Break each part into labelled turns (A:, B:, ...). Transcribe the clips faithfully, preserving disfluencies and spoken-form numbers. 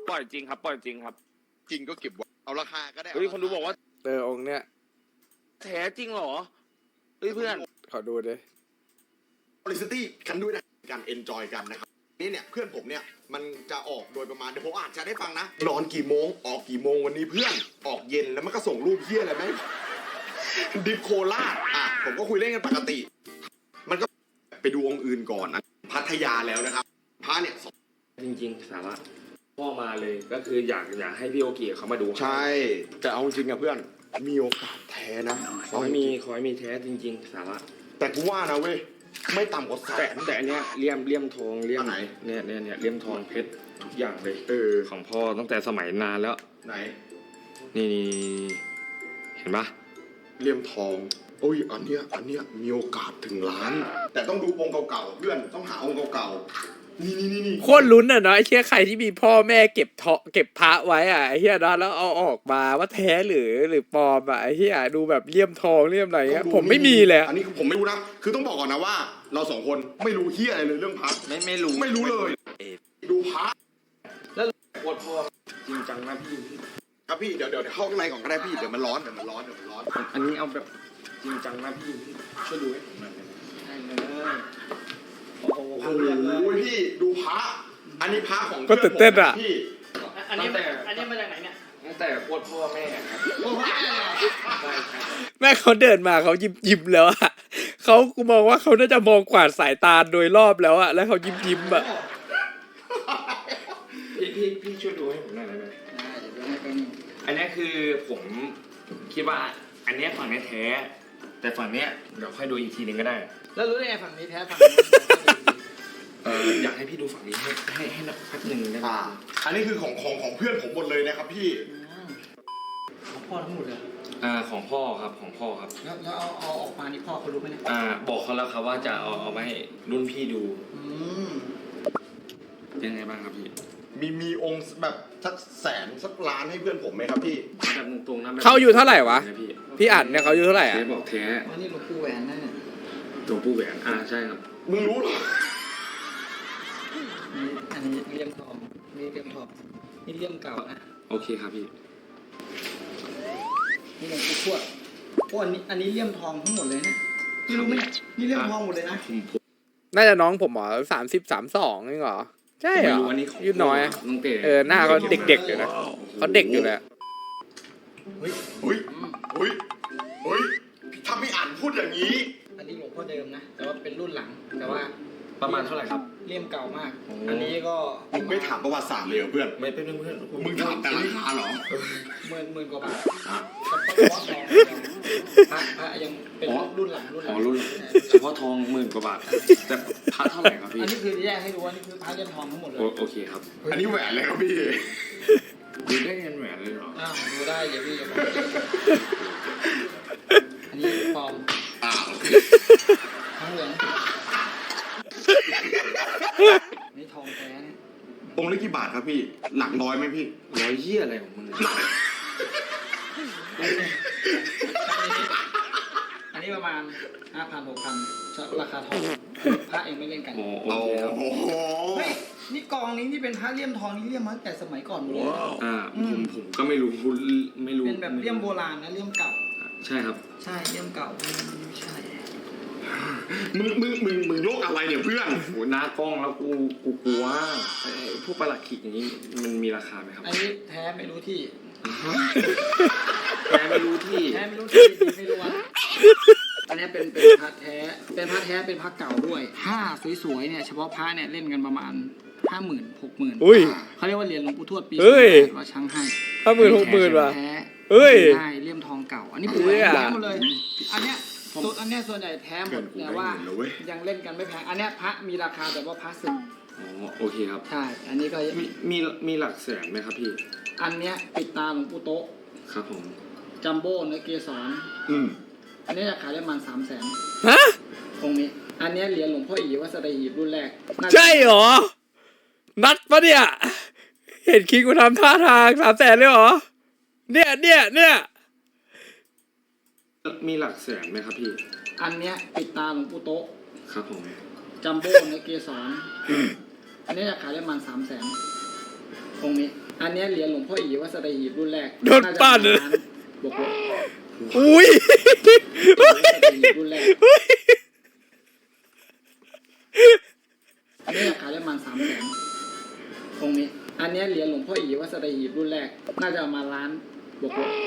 A: ปล่อยจริงครับปล่อยจริงครับ
B: จริงก็เก็บไว้เอาราคาก็ได้
A: เฮ้ยคนดูบอกว่า
C: เออองค์เนี้ย
A: แท้จริงเหรอเฮ้ยเพื่อน
C: ขอดูดิ
B: บริสตี้กันด้วยนะการเอนจอยกันนะครับนี่เนี่ยเพื่อนผมเนี่ยมันจะออกโดยประมาณเดี๋ยวผมอาจจะได้ฟังนะนอนกี่โมงออกกี่โมงวันนี้เพื่อนออกเย็นแล้วมันก็ส่งรูปเฮี้ยอะไรไหมดิฟโคราชอ่ะผมก็คุยเล่นกันปกติมันก็ไปดูองค์อื่นก่อนนะพัทยาแล้วนะครับพระเนี่ย
D: จริงๆสาระพ่อมาเลยก็คืออยากอยากให้พี่โอเกีเขามาดู
B: ใช่แต่เอาจริงอะเพื่อนมีโอกาสแท้นะ
D: ขอให้มีขอให้มีแท้จริงๆสาระ
B: แต่กูว่านะเว้ยไม่ต่ำกว่าแสน
D: แต่อันเนี้ยเลี่ยมเลี่ยมทองเลี่ยมไหนเนี่ยเนี่ยเนี่ยเลี่ยมทองเพชรทุกอย่างเลย
B: เออ
D: ของพ่อตั้งแต่สมัยนานแล้ว
B: ไหน
D: นี่เห็นปะ
B: เลี่ยมทองโอ้ยอันเนี้ยอันเนี้ยมีโอกาสถึงล้านแต่ต้องดูองค์เก่าๆเพื่อนต้องหาองค์เก่าๆนี่นี่นี่
C: โคตรลุ้นอ่ะเนาะไอ้เชี่ยใครที่มีพ่อแม่เก็บทอเก็บพระไว้อ่ะไอ้เหี้ยเนาะแล้วเอาออกมาว่าแท้หรือหรือปลอมอ่ะไอ้เหี้ยดูแบบเลี่ยมทองเลี่ยมอะไรเงี้ยผมไม่มีเลย
B: อันนี้ผมไม่รู้นะคือต้องบอกก่อนนะว่าเราสองคนไม่รู้เหี้ยอะไรเลยเรื่องพระ
D: ไม่ไม่รู้
B: ไม่รู้เลยดูพระ
D: แล้วปวดพ่อจริงจังนะพี่
B: ครับพี่เดี๋ยวเดี๋ยวเข้าข้างในก่อนก็ได้พี่เดี๋ยวมันร้อนเดี๋ยวมันร้อนเดี๋ยวมันร้อน
D: อันนี้เอาแบบจริงจังนะพี่ช่วยดูให้ผมหน่อยได้เลย
B: โอ้โหพี่ดูพระอันนี้พระของ
C: ก็ตื่นเต้นอ่ะ
B: พี่
E: อันนี้แต่อันนี้มาจากไหนเนี่ย
D: ตั้งแต่ปวดพ่อแม่ครับ
C: แม่เขาเดินมาเขายิ้มยิ้มแล้วอ่ะเขากูมองว่าเขาน่าจะมองกวาดสายตาโดยรอบแล้วอ่ะแล้วเขายิ้มยิ้มอ่ะ
D: พี่พี่พี่ช่วยดูให้ผมหน่อยได้ไหมอันนี้คือผมคิดว่าอันนี้ฝั่งนี้แท้แต่ฝั่งนี้เดี๋ยวค่อยดูอีกทีนึงก็ได้
E: แล้วรู้ได้ไงฝั่งนี้แท้ฝั่งนี้
D: เอออยากให้พี่ดูฝั่งนี้ให้ให้ให้นับแป๊บหนึ่งได้ไหม
B: อันนี้คือของของของเพื่อนผมหมดเลยนะครับพี่
E: ของพ่อทั้งหมดเลย
D: อ่าของพ่อครับของพ่อครับ
E: แล้วแล้วเอาเอาออกมานี่พ่อเขารู้ไหมเนี่ย
D: อ่าบอกเขาแล้วครับว่าจะเอาเอามาให้รุ่นพี่ดู
E: อืม
D: เป็นไงบ้างครับพี่
B: มีมีองค์แบบสักแสนสักล้านให้เพื่อนผมไหมครับพี่
D: แบบตรงๆนะ
C: เขาอยู่เท่าไหร่วะพี่อัดเนี่ยเขาอยู่เท่าไหร่อ่ะ
D: บอกแท้
E: อันนี้หลวงปู่แหวนนั่นเนี่ย
D: หลวงปู่แหวนอ่าใช่ครับ
B: มึงรู้เหรอ
E: อันนี้เลี่ยมทองนี่เลี่ยมทองนี่เลี่ยมเก่านะ
D: โอเคครับพี่
E: นี่หลวงปู่ทวดโอ้อันนี้อันนี้เลี่ยมทองทั้งหมดเลยนะพี่รู้ไหมนี่เลี่ยมทองหมดเลยนะ
C: น่าจะน้องผมเหรอสามสิบสามสองนี่เหรอใช่เหรอยืดน้อยเออหน้าเขาเด็กๆอยู่นะเขาเด็กอยู่เลย
B: เฮ้ยเฮ้ยเฮ้ยเฮ้ยถ้าพี่อ่านพูดอย่างนี้
E: อันนี้หลวงพ่อเดิมนะแต่ว่าเป็นรุ่นหลังแต่ว่า
D: ประมาณเท่าไหร่ครับ
E: เลี่ยมเก่ามากอันนี้ก็
B: มึงไม่ถามประวัติศาสตร์เลยเพื่อน
D: ไม่เป็นเพื่อน
B: มึงถามแต่ราคาเหรอ
E: หมื่นหมื่นกว่าบาทพระพระยังเป็นรุ่นหลังรุ่นหลัง
D: รุ่นเฉพาะทองหมื่นกว่าบาทแต่พระเท่าไหร่ครับพี่
E: อันนี้คือแยกให้ดูว่านี่คือพระเลี่ยมทองทั้งหมดเลย
D: โอเคครับ
B: อันนี้แหวนเลยครับพี่
D: ดูได้เงินแหวนเลยเหรอ
E: อ้าวดูได้เดี๋ยวพี่จะบอกอันนี้ปลอม
B: อ้าว
E: ทั้งเหลืองนี่ทองแท้เนี่ย
B: องค์ละกี่บาทครับพี่หลักร้อยไหมพี่
D: ร้อยเยี่ยอะไรของมึง
E: อันนี้ประมาณห้าพันหกพันราคาทองพระเองไม่เล่นกัน
D: โอ้โห
E: เฮ้ยนี่กองนี้ที่เป็นพระเลี่ยมทองนี่เลี่ยมมาตั้งแต่สมัยก่อนเลย
D: อ่าผมผมก็ไม่รู้ไม่รู้
E: เป็นแบบเลี่ยมโบราณนะเลี่ยมเก่า
D: ใช่ครับ
E: ใช่เลี่ยมเก่าไม่ใช่
B: มึงมึงมึงมึงโยกอะไรเนี่ยเพื่อน
D: โหหน้ากล้องแล้วกูกูกลัวพวกประหลัดขิกอย่างนี้มันมีราคาไหมครับ
E: อันนี้แท้ไม่รู้ที่
D: แท้ไม่รู้ที่
E: แท้ไม่รู้ที่ไม่รู้ว่าอันนี้เป็นเป็นพระแท้เป็นพระแท้เป็นพระเก่าด้วยผ้าสวยๆเนี่ยเฉพาะพระเนี่ยเล่นกันประมาณห้าหมื่นหกหมื่นเขาเรียกว่าเหรียญหลวงปู่ทวดปีว่าช้างให้
C: ห้าหมื่นหกหมื่นว่ะ
E: แท้
C: เฮ้ย
E: ใช่เลี่ยมทองเก่าอันนี้ปุ๋ยแท้หมดเลยอันเนี้ยส่วนอันเนี้ยส่วนใหญ่แท้หมดแต่ว่ายังเล่นกันไม่แพงอันเนี้ยพระมีราคาแต่ว่าพระสึก
D: อ๋อโอเคครับ
E: ใช่อันนี้ก็
D: มีมีมีหลักแสนไหมครับพี่
E: อันเนี้ยปิดตาหลวงปู่โต๊ะ
D: ครับผม
E: จัมโบ้เนื้อเกสร
B: อืม
E: อันนี้ราคาได้ประมาณสามแสน
C: ฮะ
E: ตรงนี้อันนี้เหรียญหลวงพ่ออีวัดสะหีบรุ่นแรก
C: ใช่หรอนัดปะเนี่ยเห็นคิงกูทำท่าทางสามแสนเลยหรอเนี่ยเนี่ยเนี่ย
D: มีหลักแสนไหมครับพี่
E: อันเนี้ยปิดตาหลวงปู่โต๊ะ
D: ครับผม
E: จัมโบ้เนื้อเกสรอันนี้ราคาได้ประมาณสามแสนตองค์นี้ อันเนี้ยเหรียญหลวงพ่ออีวัดสัตหีบรุ่นแรก
C: โดนปั้น
E: เลยบวกลบ
C: อุ้ย
E: รุ่นแรกอันนี้ราคาได้ประมาณสามแสนองค์นี้ อันเนี้ยเหรียญหลวงพ่ออีวัดสัตหีบรุ่นแรกน่าจะประมาณล้านบวกลบ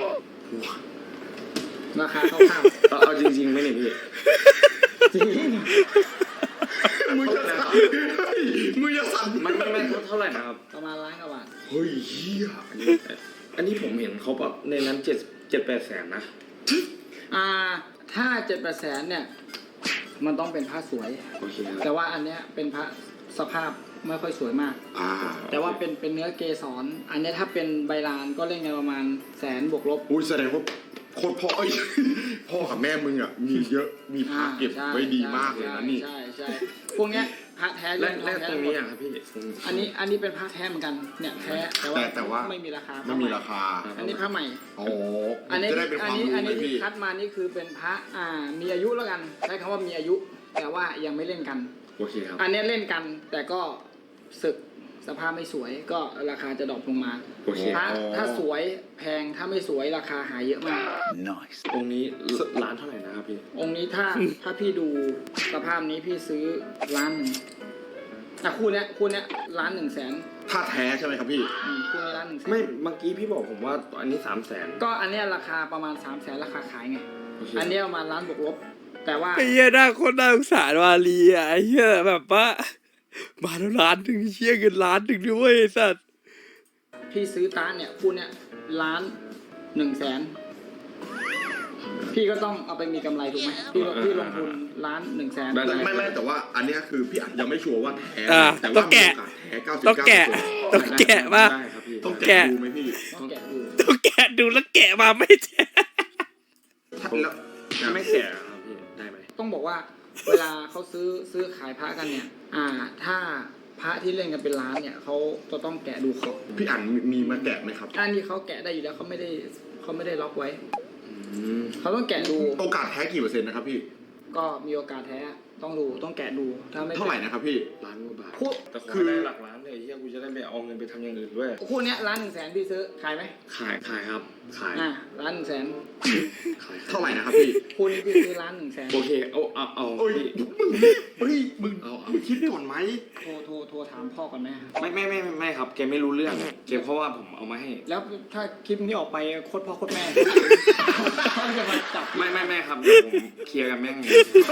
E: ราคาคร่าว
D: เอาเอาจริงๆไหมเนี่ยพี่
E: ๆจริง
B: มึงจะสั่นมึงจะสั่น
D: มันมันมันเท่าไหร่นะครับ
E: ประมาณล้านกว่าบาท
B: เฮ้ยเฮีย
D: อันนี้อันนี้ผมเห็นเขาแบบในนั้นเจ็ดเจ็ดแปดแสนนะ
E: อ่าถ้าเจ็ดแปดแสนเนี่ยมันต้องเป็นพระสวย
D: โอเคครับ
E: แต่ว่าอันเนี้ยเป็นพระสภาพไม่ค่อยสวยมาก
B: อ่า
E: แต่ว่าเป็นเป็นเนื้อเกสรอันเนี้ยถ้าเป็นใบลานก็เล่นกันประมาณแสนบวกลบ
B: อุ้ยแสดงว่าโคตรพ่อเอ้ยพ่อกับแม่มึงอ่ะมีเยอะมีพระเก็บ
E: ใช่
B: ไว้ดีมากเลยนะนี่
E: ใช่ใช่พวกเนี้ยพระแท้
D: และ
E: เย
D: และ
E: ทอ
D: ตรงนี้อ่ะครับพี่
E: อันนี้อันนี้เป็นพระแท้เหมือนกันเนี่ยแท้แต่ว่า
B: แต่แต่ว่า
E: ไม่มีราคา
B: ไม่มีราคา
E: อันนี้พระใหม่
B: อ๋อ
E: อันนี้
B: จะได้เป็นค
E: อัน
B: วาม
E: นี้
B: รู้
E: อัน
B: เล
E: นี้
B: ย
E: ที่
B: พี่
E: คัดมานี่คือเป็นพระอ่ามีอายุแล้วกันใช้คำว่ามีอายุ แต่ว่ายังไม่เล่นกัน
D: โอเคครับ
E: อันเนี้ยเล่นกันแต่ก็ศึกสภาพไม่สวยก็ราคาจะดรอปลงมา
D: โอเค
E: ถ้าถ้าสวยแพงถ้าไม่สวยราคาหายเยอะมาก
D: องค์นี้ร้านเท่าไหร่นะครับพี่
E: องค์นี้ถ้าถ้าพี่ดูสภาพนี้พี่ซื้อล้านหนึ่งอ่ะคู่เนี้ยคู่เนี้ยล้านหนึ่งแสน
B: ถ้าแท้ใช่ไหมครับพี่
E: อืมคู่นี้ล้านหนึ่งแสน
D: ไม่เมื่อกี้พี่บอกผมว่าอันนี้สามแสน
E: ก็อันเนี้ยราคาประมาณสามแสนราคาขายไง
D: โอเค
E: อันเนี้ยประมาณล้านบวกลบแต่ว่า
C: ไอ้เหี้ยน่าโคตรน่าสงสารวาลีอ่ะไอ้เหี้ยแบบว่ามาแล้วล้านหนึ่งเชี่ยเงินล้านหนึ่งด้วยไอ้สัตว์
E: พี่ซื้อตาเนี่ยคู่เนี้ยล้านหนึ่งแสนพี่ก็ต้องเอาไปมีกำไรถูกไหมพี่ลงพี่ลงทุนล้านหนึ่งแสน
B: ไม่ไม่ไม่แต่ว่าอันเนี้ยคือพี่อาจยังไม่ชัวร์ว่าแท้
C: อ่ะ
B: แต่
C: ต้
B: ว่า
C: อง
B: มี
C: แกะ
B: โอกาสแท้เก้าสิบ
C: ต้อง
B: เก้า
C: แกะต้องแกะมา
D: ได้ครับพี่
B: ต้อง
C: แกะ
B: แกะดูไหมพี่
E: ต้องแกะดู
C: ต้องแกะดูแล้วแกะมาไม่แท้
B: ถ้าแล้ว
D: ถ้าไม่แก่ครับพี่ได้ไหม
E: ต้องบอกว่าเวลาเขาซื้อซื้อขายพระกันเนี่ย อ่า ถ้าพระที่เล่นกันเป็นล้านเนี่ยเขาจะต้องแกะดูขอบ
B: พี่อ่านมีมีมาแกะไหมครับ
E: อันนี้เขาแกะได้อยู่แล้วเขาไม่ได้เขาไม่ได้ล็อกไว้
D: อืม
E: เขาต้องแกะดู
B: โอกาสแท้กี่เปอร์เซ็นต์นะครับพี่
E: ก็มีโอกาสแท้ต้องดูต้องแกะดูถ้าไม่
B: เท่าไหร่นะครับพี่
D: ล้านกว่าบาท
E: คู่
D: แต่ขอ
B: คือ
D: ได้หลักล้านเลยเฮียกูจะได้ไปเอาเงินไปทำอย่างอื่นด้วย
E: คู่เนี้ยล้านหนึ่งแสนพี่ซื้อขายไหม
D: ขายขายครับ ขาย
E: อ่าล้านหนึ่งแสน
D: ขาย
B: เท่าไหร่นะครับพี่
E: คู่นี้พี่ซื้อล้านหนึ่งแสน
D: โอเคเอาเอาเอา
B: โอ้ย
D: พี่
B: มึงเฮ้ยมึง
D: เอาเอา
B: มึงคิดก่อนไหม
E: โทรโทรโทรถามพ่อก่อนไหม
D: ไม่ไม่ไม่ไม่ไม่ครับแกไม่รู้เรื่องแกเพราะว่าผมเอามาให้
E: แล้วถ้าคลิปนี้ออกไปโคตรพ่อโคตรแม่เขาจะมาจับ
D: ไม่ไม่ไม่ครับเดี๋ยวผมเคลียร์กับแม่งเอง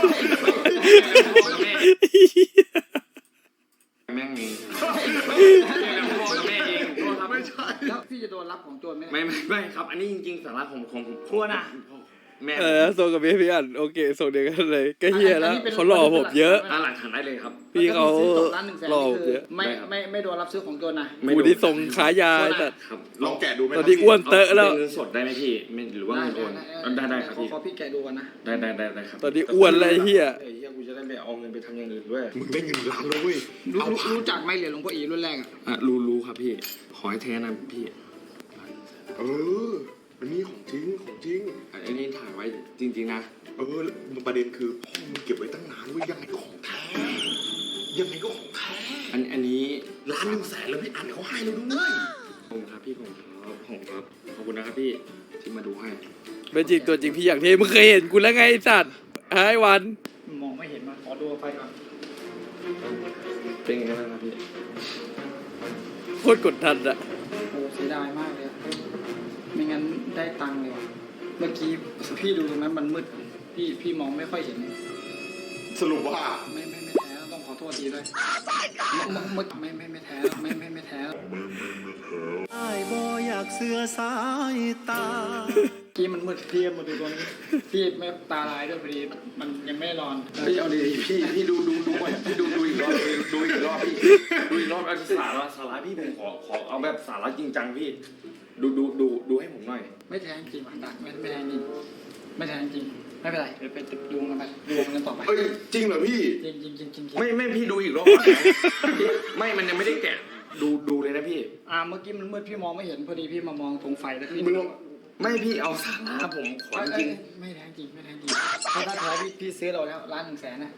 D: แม่งเองเคลียร์กับพ่อกับแม่เองโทษครับ
B: ไม่ใช่
E: แล้วพี่จะโดนรับของโจรไหม
D: ไม่ไม่ไม่ครับ อันนี้จริงๆสาระของของ
E: ชัวร์นะ
D: แม่
C: เออส่งกับพี่พี่อันโอเคส่งเดียวกันเลยก็เฮียแล้วเขาหล่อผมเยอะ
D: อ่าหลักฐานได้เลยครับ
C: พี่เขา
E: ซื้อจบล้านหนึ่งแสน
C: หล่อ
E: นี่
C: ผม
E: คือ
C: เยอะ
E: ไม่
D: ได้ครับ
E: ไม่ไม่โดนรับซื้อของโจรนะ
C: กูที่ส่งขายาไอ้สัตว์
D: ครับ
B: ลองแกะดูไหม
C: ตอนนี้อ้วนเตอะแล้ว
D: เป็นเงินสดได้ไหมพี่ไม่หรือว่าเงินโอนได้ได้ครับ
E: ขอ
D: พี่
E: ขอพี่แกะดูกันนะ
D: ได้ได้ได้ได้ครับ
C: ตอนนี้อ้วนเลยไอ้เหี้ย
D: ไอ้เฮียกูจะได้ไปเอาเงินไปทำอย่างอื่นด้วย
B: มึงได้เงินล้านแล้วเว้ย
E: รู้
B: เอา
E: รู้รู้จักไหมเหรียญหลวงพ่ออีรุ่นแรกอ่ะ
D: อ่ะรู้รู้ครับพี่ ขอให้แท้นะพี่
B: เอออันนี้ของจริงของจริง
D: อันนี้ถ่ายไว้จริงๆนะ
B: เออประเด็นคือพ่อมึงเก็บไว้ตั้งนานเว้ยยังไงก็ของแท้ ยังไงก็ของแท้
D: อันอันนี้
B: ล้านหนึ่งแสนแล้วพี่อ่านเขาให้แล้วด้วย
D: ผมครับพี่ผมครับผมครับขอบคุณนะครับพี่ที่มาดูให้
C: เป็นจริงตัวจริงพี่อย่างเท่มึงเคยเห็นกูแล้วไงไอ้สัตว์ไอ้วัน
E: มองไม่เห็นมาขอดูไฟก่อน
D: เป็นไงบ้างครับพี่
C: โคตรกดทันอะ
E: โอ้เสียดายมากเลยอะไม่งั้นได้ตังค์เลยว่ะเมื่อกี้พี่ดูตรงนั้นมันมืดพี่พี่มองไม่ค่อยเห็น
B: สรุปว่า
E: ไม่ไม่ไม่แท้ต้องขอโทษทีด้วยเมื่อเมื่อไม่ไม่ไม่แท้ไม่ไม่ไม่แท้
F: ไอ้ายบ่อยากเสือสายตา
E: กี้มันมืดพี่มาดูตรงนี้พี่ไม่ตาลายด้วยพอดีมันยังไม่ได้นอน
D: พี่เอาดีๆพี่พี่ดูดูดูก่อนพี่ดูดูอีกรอบดูอีกรอบพี่ดูอีกรอบเอาสาระสาระพี่ผมขอขอเอาแบบสาระจริงจังพี่ ดูดูดูดูให้ผมหน่อย
E: ไม่แท้จริงว่ะดักไม่ไม่แท้จริงไม่แท้จริงไม่เป็นไรเดี๋ยวไปติดดวงกันไปดวงกันต่อไป
B: เอ้ยจริงเหรอพี่
E: จริงจริงจริงจริง
D: ไม่ไม่พี่ดูอีกรอบพี่ไม่มันยังไม่ได้แกะดูดูเลยนะพี่
E: อ่าเมื่อกี้มันมืดพี่มองไม่เห็นพอดีพี่มามองตรงไฟแล้วพี่
B: มึงลอง
D: ไม่พี่เอาสาระผมขอ
E: เอ้ย
D: จริง
E: เอ้ยไม่แท้จริงไม่แท้จริงถ้าถ้าแท้พี่พี่ซื้อเราแล้วล้านหนึ่งแสนนะจริง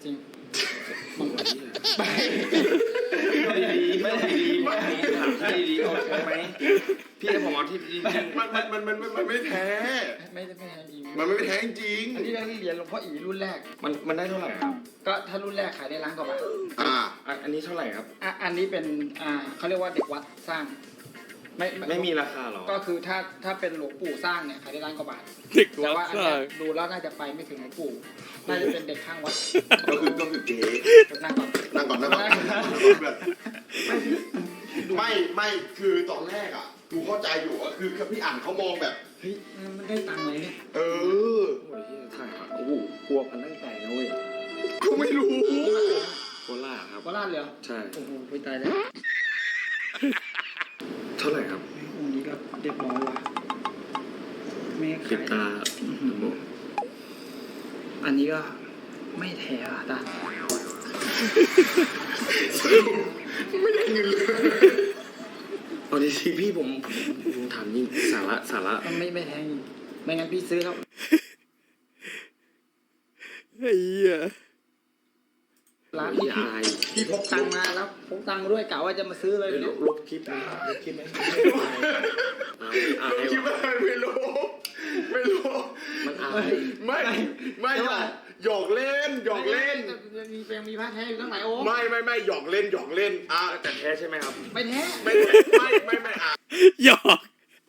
D: ไม่ดีไม่ดีไม่ดีถามที่ดีๆโอเคไหมพี่ให้ผมเอาที่ดี
B: มันมันมันมันมันไม่แท้
E: ไม่ได้ไม่แท้จริง
B: มันไม่แท้จริง
E: อันนี้เราที่เรียนหลวงพ่ออีรุ่นแรก
D: มันมันได้เท่าไหร่ครับ
E: ก็ถ้ารุ่นแรกขายได้ล้านกว่าบาท
B: อ่า
D: อ่ะอันนี้เท่าไหร่ครับ
E: อ่ะอันนี้เป็นอ่าเขาเรียกว่าเด็กวัดสร้าง ไม่
D: ไม่มีราคาหรอ
E: ก็คือถ้าถ้าเป็นหลวงปู่สร้างเนี่ยขายได้ล้านกว่าบาท
C: เด็ก
E: แต่
C: วั
E: ว่า
C: ด
E: อัน
C: ส
E: เนี้
C: ร้าย ง
E: ดูแล้วน่าจะไปไม่ถึงหลวงปู่น่าจะเป็นเด็กข้างวัด
B: ก็คือก็คือเก๋
E: นั่งก่อน
B: นั่งก่อนนั่งก่อนไม่ไม่คือตอนแรกอ่ะกูเข้าใจอยู่ก็คือพี่อ่านเขามองแบบ
E: เฮ้ยมันได้ตังค์เลยเนี่ย
B: เออ
D: โอ้ยถ่ายครับโอ้โหกลัวพันตั้งแต่นะเว้ย
B: กูไม่รู้
D: โคราชครับ
E: โคราชเลยเหรอ
D: ใช่
E: โอ้โหไปตายแล้ว
D: เท่าไหร่ครับ
E: องค์นี้ก็เรียบร้อยว่ะแม่
D: ปิด
E: ขาย
D: ตา
E: อันนี้ก็ไม่แท้อะตา
B: ไม่ได้เงินเลย
D: เอาดีสิพี่ผมผมถามจริงสาระสาระ
E: มันไม่ไม่แท้จริงไม่งั้นพี่ซื้อแล้ว
C: ไอ้เหี้ย
E: ร้าน
D: พี่
E: พี่
D: อาย
E: พี่พกตังค์มาแล้วพกตังค์มาด้วยกะว่าจะมาซื้อเลย
D: ล
E: เนี่ย
D: บลบคลิปไหมลบคลิปไหมอายอาย
B: คิดว่าไม่รู้ไม่รู้
D: มันอาย
B: ไม่ไม่หยอกหยอกเล่นหยอกเล่น
E: มีเพียงมีผ้าแท้อยู่ตั้งหลายองค์
B: ไม่ไม่ไม่หยอกเล่นหยอกเล่นอ่ะ
D: แต่แท้ใช่ไหมครับ
E: ไม่แท้
B: ไม่ไม่ไม่ไม่อ่ะ
C: หยอก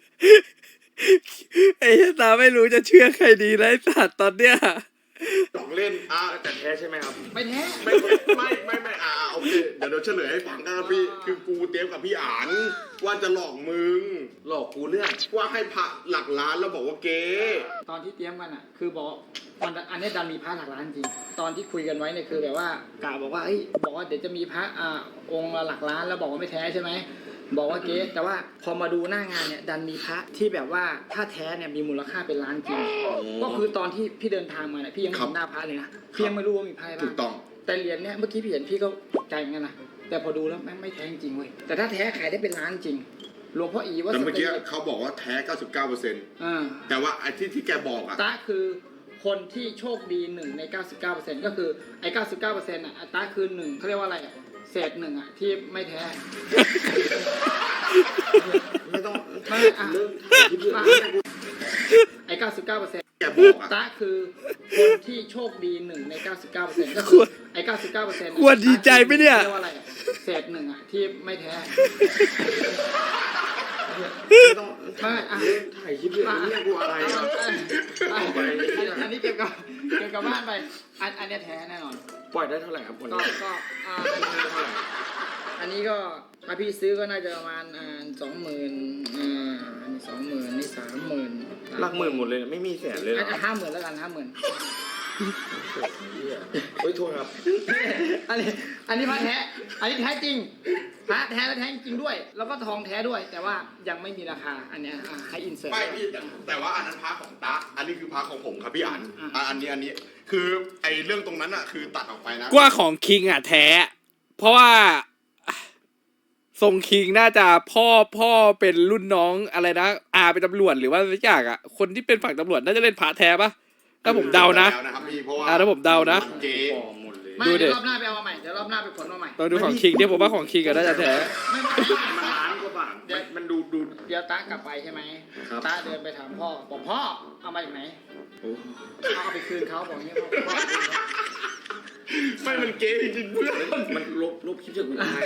C: ไอ้เหี้ยตาไม่รู้จะเชื่อใครดีแล้วไอ้สัตว์ตอนเนี้ย
B: หยอกเล่นอ่ะ
D: แต่แท้ใช่ไหมครับ
E: ไม่แท้
B: ไม่ไม่ไม่ไม่อ่ะโอเคเดี๋ยวเดี๋ยวเฉลยให้ฟังกันพี่คือกูเตรียมกับพี่อ่านว่าจะหลอกมึง
D: หลอกกูเรื่อง
B: ว่าให้พระหลักล้านแล้วบอกว่าเก๊
E: ตอนที่เตรียมกันอ่ะ คือบอกมันอันนี้ดันมีพระหลักล้านจริง ตอนที่คุยกันไว้เนี่ยคือแบบว่ากล่าวบอกว่าเอ้ยบอกว่าเดี๋ยวจะมีพระอ่าองค์ละหลักล้านแล้วบอกว่าไม่แท้ใช่ไหมบอกว่าเก๊แต่ว่าพอมาดูหน้างานเนี่ยดันมีพระที่แบบว่าถ้าแท้เนี่ยมีมูลค่าเป็นล้านจริง ก็คือตอนที่พี่เดินทางมาเนี่ยพี่ยังไม่เห็นหน้าพระเลยนะพี่ยังไม่รู้ว่ามีพระอะไร
B: ถู
E: บ้าก ง
B: ต้อง
E: แต่เหรียญเนี่ยเมื่อกี้พี่เห็นพี่ก็ตกใจเหมือนกันนะแต่พอดูแล้วแม่งไม่แท้จริงเว้ยแต่ถ้าแท้ขายได้เป็นล้านจริงหลวงพ่ออีว่า
B: แต่เมื่อกี้
E: สตรี
B: เขาบอกว่าแท้ เก้าสิบเก้าเปอร์เซ็นต์
E: อ่า
B: แต่ว่าไอ้ที่ที่แกบอกอ่ะ
E: ตาคือคนที่โชคดีหนึ่งใน เก้าสิบเก้าเปอร์เซ็นต์ ก็คือไอ้ เก้าสิบเก้าเปอร์เซ็นต์ อ่ะตาคือหนึ่งเขาเรียกว่าอะไรอ่ะเศษหนึ่งอ่ะที่ไม่แท้
B: ไม่ต้อง
E: ไม่อ่ะ
B: เรื่องถ่ายคลิปเรื่องนี้
E: ไอ้ เก้าสิบเก้าเปอร์เซ็นต์
B: แกบอกอ่ะ
E: ตาคือคนที่โชคดีหนึ่งใน เก้าสิบเก้าเปอร์เซ็นต์ ก็คือไอ้ เก้าสิบเก้าเปอร์เซ็นต์
C: ควรดีใจไหมเนี่ย
E: เรียกว่าอะไรอ่ะเศษหนึ่งอ่ะที่ไม่แท้
B: ไม่ต้อง
E: ไม่อ่ะ
B: เรื่องถ่ายคลิปเรื่องนี้กูอะไรอ่ะ
E: อันนี้เก็บกับเก็บกับบ้านไป อันอันนี้แท้แน่นอน
D: ปล่อยได้เท่าไหร่ครับวัน
E: ก็
D: นี้
E: ก็อ่าอันนี้ก็ถ้าพี่ซื้อก็น่าจะประมาณอ่าสองหมื่นอ่าอันนี้สองหมื่นนี่สามหมื่น
D: หลักหมื่นหมดเลยนะไม่มีแสนเลยเหรอ
E: อ่ะห้าหมื่นแล้วกันห้าหมื่น
D: เฮ้ยโทษครับ
E: อันนี้อันนี้พระแท้ อันนี้แท้จริงพระแท้และแท้จริงด้วย แล้วก็ทองแท้ด้วย แต่ว่ายังไม่มีราคา อันเนี้ยอ่าให้อินเสิร์ต
B: ไม่พี่แต่แต่ว่าอันนั้นพาของตาอันนี้คือพาของผมครับพี่อ่าน
E: อ่ะ
B: อ่ะอันนี้อันนี้คือไอ้เรื่องตรงนั้นอ่ะคือตัดออกไปนะ
C: กว่าของคิงอ่ะแท้ เพราะว่าทรงคิงน่าจะพ่อพ่อเป็นรุ่นน้องอะไรนะอาเป็นตำรวจหรือว่าสักอย่างอ่ะคนที่เป็นฝั่งตำรวจน่าจะเล่นพระแท้ปะถ้าผมเดานะ
B: แล้วนะครับพี่เพราะว่า
C: อ่ะถ้าผมเดานะ
B: เจ๊
D: ปลอมหมดเลย
E: ไม่
C: ดูดิ
E: เดี๋ยวรอบหน้าไปเอามาใหม่ เดี๋ยวรอบหน้าไปผลมาใหม่
C: ตอนดูของคิงเนี่ยผมว่าของคิงก็น่าจะแท้
E: ไม่ไม่
D: มันล้านกว่าบาท
E: เดี๋ยว
D: มันดูดู
E: เดี๋ยวตากลับไปใช่ไหม
D: ครับ
E: ตาเดินไปถามพ่อ บอกพ่อ เอามาจากไหน
D: โอ้
E: เอาเอาไปคืนเขาบอกอย่างนี้พ่อพ่อ
B: ไม่มันเก๊จริงๆเพื่อน
D: มันลบลบคลิปจากกูอาย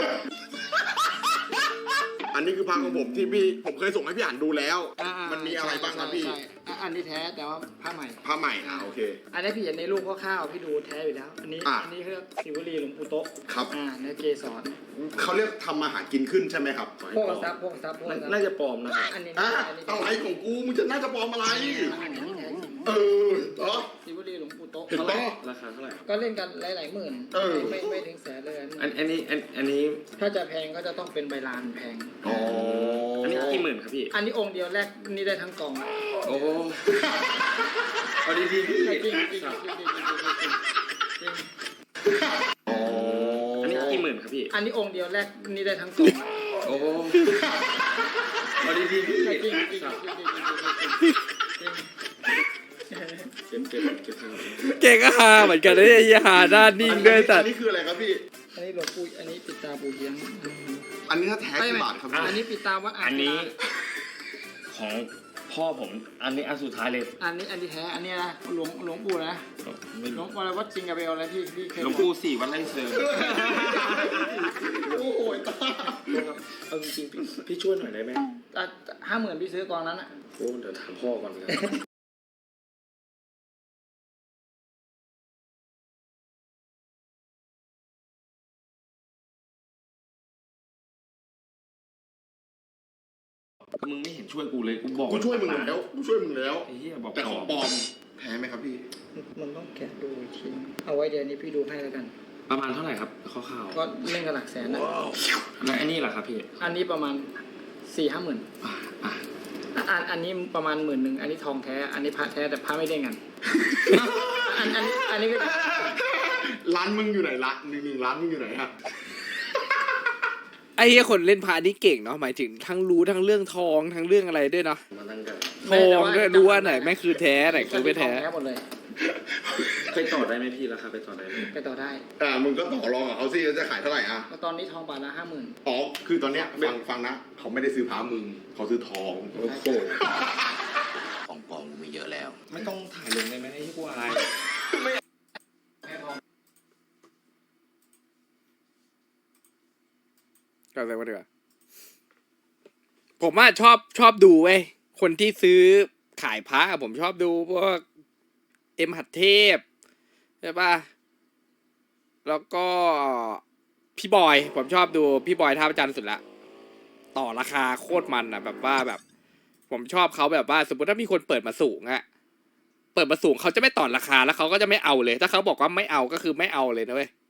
B: อันนี้คือพาของผมที่พี่ผมเคยส่งให้พี่อ่านดูแล้ว
E: อ่าๆ
B: มันมีอะไรบ้างครับพี่
E: ใช่อ่ะอันนี้แท้แต่ว่าผ้าใหม่
B: ผ้าใหม่อ่ะโอเค
E: อันนี้พี่เห็นในรูปคร่าวๆพี่ดูแท้อยู่แล้ว อันนี้
B: อ่ะ
E: อันนี้คือสิวลีหลวงปู่โต๊ะ
B: ครับ
E: อ่าเนื้อเกสร
B: เขาเรียกทำมาหากินขึ้นใช่ไหมครับ
E: พวกทรัพย์พวกทรัพย์พวกทรัพย์
D: น่าจะปลอมนะครับ
E: อันนี้
B: อ่ะ
E: อันนี้
B: อะไรของกูมึงจะน่าจะปลอมอะไร
E: อันนี้แท้จริง
B: เออเหรอ
E: สิวลีหลวงปู่โต๊ะ
B: เห็นปะ
D: ราคาเท่าไหร่ครับ
E: ก็เล่นกันหลายๆหมื่น
B: เออ
E: ไม่ไม่ถึงแสนเลยอันนี้
D: อันอันนี้อันอันนี้
E: ถ้าจะแพงก็จะต้องเป็นใบลานแพง
B: อ๋อ
D: อันนี้กี่หมื่นครับพี่
E: อันนี้องค์เดียวแรกนี่ได้ทั้งกล่อง
D: โอ้เอาดีๆพี่
E: จริงจริงจริงจริงจริงจริงจริงจริง
B: อ๋อ
D: อันนี้กี่หมื่นครับพี่
E: อันนี้องค์เดียวแรกนี่ได้ทั้งกล่อง
D: โอ้เอาดีๆพี่
E: จริงจริงจริงจริงจริงจริงจริง
D: เก็บเก็บเก็บเงิน
C: เก็กก็ฮาเหมือนกันนะเนี่ยไอ้ฮาหน้านิ่งด้วยแต่
B: อันนี้คืออะไรครับพี่
E: อันนี้หลวงปู่อันนี้ปิดตาปู่เฮียง
B: อันนี้ถ้าแท้
E: ไม่
B: กี่
E: ไม่
B: บาทครับ
E: อัน
B: พี่
E: นี้ปิดตาวัดอ่าง
D: อันนี้
E: ศิลา
D: ของพ่อผม อันนี้อันสุดท้ายเลย
E: อันนี้อันที่แท้อันนี้นะหลวงหลวงปู่นะ
D: ไม่
E: หลว
D: รู้
E: งปู่อะไรวัดจริงกับเบลอะไรที่ที่เคย
D: หลวงปู่สี่วัดไร่เชิง
B: โอ้โหตา
D: เอาจริงๆพี่พี่ช่วยหน่อยได้ไหม
E: ห้าหมื่นพี่ซื้อกองนั้นอ่ะ
D: โอ้เดี๋ยวถามพ่อก่อนเลยมึงไม่เห็นช่วยกูเลยกูบอก
B: กูช่วยมึงแล้วกูช่วยมึงแล้ว
D: ไอ้เหี้ยบอก
B: แต่ของปลอมแท้ไหมครับพี่
E: มันต้องแกะดูอีกทีเอาไว้เดี๋ยวนี้พี่ดูให้แล้วกัน
D: ประมาณเท่าไหร่ครับคร่าว
E: ก็เล่นกับหลักแสนนะ
D: ๆแล้วไอ้นี่ล่ะครับพี่
E: อันนี้ประมาณสี่ห้าหมื่น
D: อ่ะอ่ะ
E: อันอันนี้ประมาณหมื่นหนึ่งอันนี้ทองแท้ อันนี้พระแท้แต่พระไม่เด้งกัน อันอันนี้อันนี้ก็
B: ร้านมึงอยู่ไหนละหนึ่งหนึ่งร้านมึงอยู่ไหนฮะ
C: ไอ้เหี้ยคนเล่นพานี่เก่งเนาะหมายถึงทั้งรู้ทั้งเรื่องทองทั้งเรื่องอะไรด้วยเนาะ
D: มาตั้งแต่
C: ทองด้วยรู้ว่าไหนแม่งคือแท้ไหนคือไม่แท้
E: ทองแท้หมดเลย
D: ไปต่อได้ไหมพี่ราคาไปต่อได้ไหม
E: ไปต่อได้
B: อ่ามึงก็ต่อรองกับเขาสิว่าจะขายเท่าไหร่อ่ะ
E: แล้วตอนนี้ทองบาทละห้าหมื่น
B: อ๋อคือตอนเนี้ยฟังฟังนะเขาไม่ได้ซื้อพามึงเขาซื้อทองโอ้โห
G: ของปลอมมีเยอะแล้ว
D: ไม่ต้องถ่ายลงได้ไหมไอ้ที่กูอาย
E: แค่ทอง
C: ก็เลยว่าดีกว่าผมว่าชอบชอบดูเว้ยคนที่ซื้อขายพระอะผมชอบดูพวกเอ็มหัดเทพใช่ป่ะแล้วก็พี่บอยผมชอบดูพี่บอยท่าประจันทร์สุดละต่อราคาโคตรมันอ่ะแบบว่าแบบ ผมชอบเขาแบบว่า สมมติถ้ามีคนเปิดมาสูงอะเปิดมาสูงเขาจะไม่ต่อราคาแล้วเขาก็จะไม่เอาเลย ถ้าเขาบอกว่าไม่เอาก็คือไม่เอาเลยนะเว้ย